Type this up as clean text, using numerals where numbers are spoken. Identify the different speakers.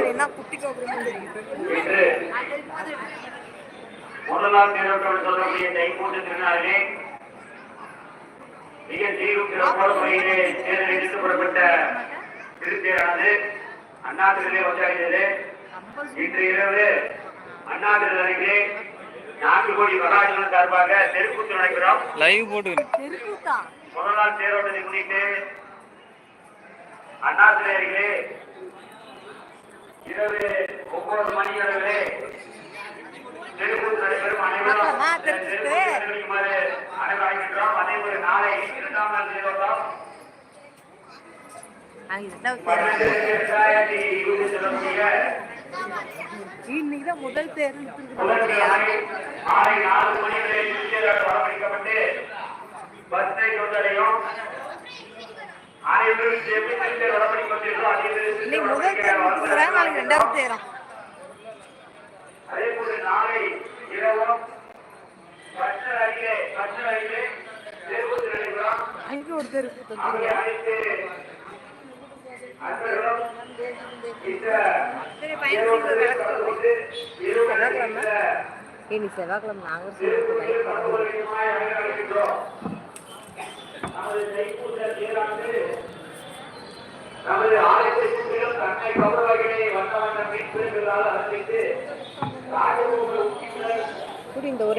Speaker 1: என்ன குட்டி
Speaker 2: இன்று முதலாம் தேரோட்டம் சொல்லக்கூடிய தைப்பூச திருநாளிலே மிக சீரும் சிறப்பான முறையிலே தேர்தல் எடுத்து புறப்பட்ட திருத்தேரானது அண்ணாதிரிலே வந்தாடியது. இன்று இரவு அண்ணாதிரி அருகிலே 4 கோடி மகாஜன சார்பாக தெருக்கூத்து நடைபெறும். முதல் தேரோட்டத்தை முன்னிட்டு அண்ணாதிரி அருகிலே இரவு 9 மணி அளவிலே தெருக்கூத்து நடைபெறும். அனைவரும் அனைவரும் அதேபோல நாளை 2ஆம் நாள் தேரோட்டம்
Speaker 1: இன்னைக்குதான் முதல் தேர்வு
Speaker 2: மாலை 4 மணி வரை வரவழைக்கப்பட்டு பஸ்ஸை கொண்டடையும். அனைவரும்
Speaker 1: முதல் தேர்வு நாளைக்கு 2வது தேரம்.
Speaker 2: அதே போல நாளை இரவும்
Speaker 1: அங்கே ஒரு தெருக்கு இனி செவ்வாய்க்கிழமை நாங்கள்
Speaker 2: நமது ஆலயத்தை சுற்றிலும் தன்னை கௌரவர்களை வந்த வண்ண மீன் பிரிவுகளால் அனுப்பித்து
Speaker 1: இந்த